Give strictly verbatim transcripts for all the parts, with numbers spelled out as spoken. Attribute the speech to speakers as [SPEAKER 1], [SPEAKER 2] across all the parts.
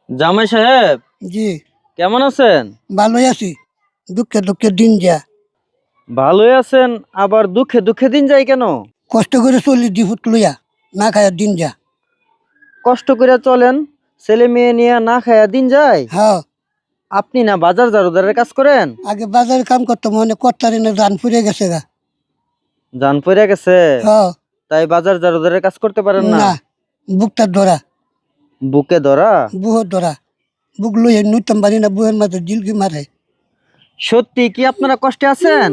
[SPEAKER 1] জামাই সাহেব,
[SPEAKER 2] জি
[SPEAKER 1] কেমন আছেন?
[SPEAKER 2] ভালোই আছি। দুঃখে দুঃখে দিন যা,
[SPEAKER 1] ভালোই আছেন, আবার দুঃখে দুঃখে দিন যায় কেন?
[SPEAKER 2] কষ্ট করে চলি দিহুত লইয়া, না খায়া দিন যা।
[SPEAKER 1] কষ্ট করে চলেন, ছেলে মেয়ে নিয়ে না খায়া দিন যায়।
[SPEAKER 2] হ্যাঁ,
[SPEAKER 1] আপনি না বাজার জারুদারের কাজ করেন?
[SPEAKER 2] আগে বাজারে কাম করতাম, মনে কর্তারি না রান ফুরে গেছে গা।
[SPEAKER 1] জান পড়ে গেছে,
[SPEAKER 2] হ্যাঁ,
[SPEAKER 1] তাই বাজার জারুদারের কাজ করতে পারেন না?
[SPEAKER 2] না বুকটা ধরা,
[SPEAKER 1] বুকে ধরা?
[SPEAKER 2] বুহর ধরা, বুক লইয়া নুইতাম পারি না, বুহের মাঝে জিলকি মারে।
[SPEAKER 1] সত্যি কি আপনারা কষ্টে আছেন?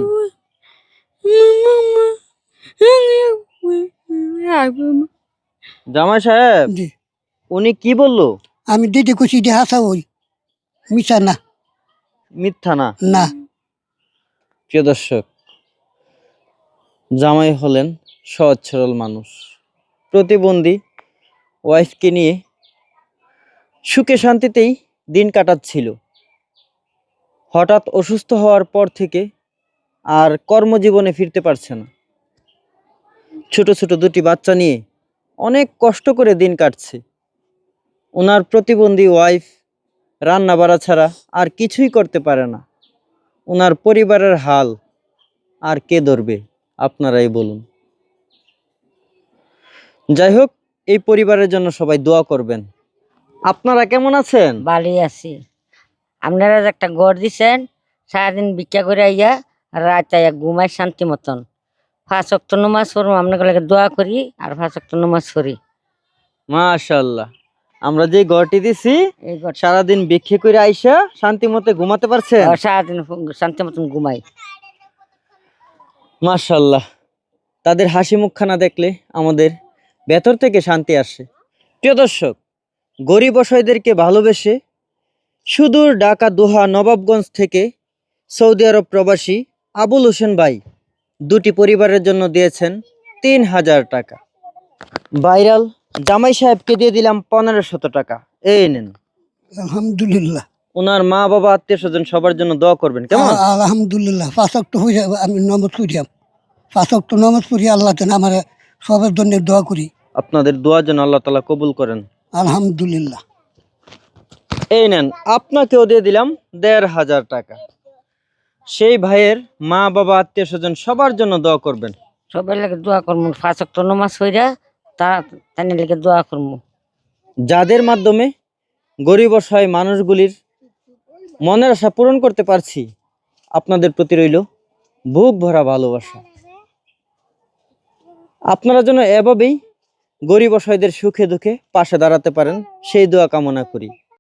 [SPEAKER 1] জামাই সাহেব,
[SPEAKER 2] জি,
[SPEAKER 1] উনি কি বললো?
[SPEAKER 2] আমি দিদি খুশি দিয়ে হাসা হই, মিশা না।
[SPEAKER 1] মিথ্যা না?
[SPEAKER 2] না,
[SPEAKER 1] প্রিয় দর্শক, জামাই হলেন সহজ সরল মানুষ, প্রতিবন্ধী ওয়াইফকে নিয়ে সুখে শান্তিতেই দিন কাটাচ্ছিল। হঠাৎ অসুস্থ হওয়ার পর থেকে আর কর্মজীবনে ফিরতে পারছে না। ছোট ছোট দুটি বাচ্চা নিয়ে অনেক কষ্ট করে দিন কাটছে। ওনার প্রতিবন্ধী ওয়াইফ রান্না বাড়া ছাড়া আর কিছুই করতে পারে না। ওনার পরিবারের হাল আর কে ধরবে, আপনারাই বলুন। যাই হোক, এই পরিবারের জন্য সবাই দোয়া করবেন। আপনারা কেমন আছেন?
[SPEAKER 3] ভালোই আছি। আপনারা যে একটা ঘর দিছেন, সারাদিন ভিক্ষা করে আইয়া রাত আইয়া ঘুমাই শান্তি মতন। পাঁচ ওয়াক্ত নামাজ পড়ব, আপনাকে লাগে দোয়া করি আর পাঁচ ওয়াক্ত নামাজ পড়ি।
[SPEAKER 1] মাশাআল্লাহ, আমরা যে ঘরটি দিছি
[SPEAKER 3] এই ঘর
[SPEAKER 1] সারাদিন ভিক্ষে করে আইসা শান্তি মতে ঘুমাতে পারছেন?
[SPEAKER 3] সারাদিন শান্তি মতন ঘুমাই।
[SPEAKER 1] মাশাআল্লাহ, তাদের হাসি মুখখানা দেখলে আমাদের ভেতর থেকে শান্তি আসে। প্রিয় দর্শক, গরিব অসহায়দেরকে ভালোবেসে সুদূর ঢাকা দোহা নবাবগঞ্জ থেকে সৌদি আরব প্রবাসী আবুল হোসেন ভাই দুটি পরিবারের জন্য দিয়েছেন তিন হাজার টাকা। ভাইরাল জামাই সাহেবকে দিয়ে দিলাম পনেরো শত টাকা। এই নেন।
[SPEAKER 2] আলহামদুলিল্লাহ,
[SPEAKER 1] ওনার মা বাবা আত্মীয় স্বজন সবার জন্য দোয়া করবেন, কেমন?
[SPEAKER 2] আ- আলহামদুলিল্লাহ। পাঁচ ওয়াক্ত হইয়া আমি নমাজ পড়িয়াম, পাঁচ ওয়াক্ত নমাজ পড়ি, আল্লাহ যেন আমার সবার জন্য দোয়া করি।
[SPEAKER 1] আপনাদের দোয়া যেন আল্লাহ তাআলা কবুল করেন।
[SPEAKER 2] আলহামদুলিল্লাহ।
[SPEAKER 1] এই নেন, আপনাকেও দিয়ে দিলাম দেড় হাজার টাকা। সেই ভাইয়ের মা বাবা আত্মীয় স্বজন সবার জন্য দোয়া করবেন।
[SPEAKER 3] সবাই লাগে দোয়া করবো, পাঁচ ওয়াক্ত নামাজ পড়া তা তাই লেগে দোয়া করবো।
[SPEAKER 1] যাদের মাধ্যমে গরিব অসহায় মানুষগুলির মনের আশা পূরণ করতে পারছি, আপনাদের প্রতি রইল বুক ভরা ভালোবাসা। আপনারা যেন এভাবেই গরিব অসহায়দের সুখে দুঃখে পাশে দাঁড়াতে পারেন, সেই দোয়া কামনা করি।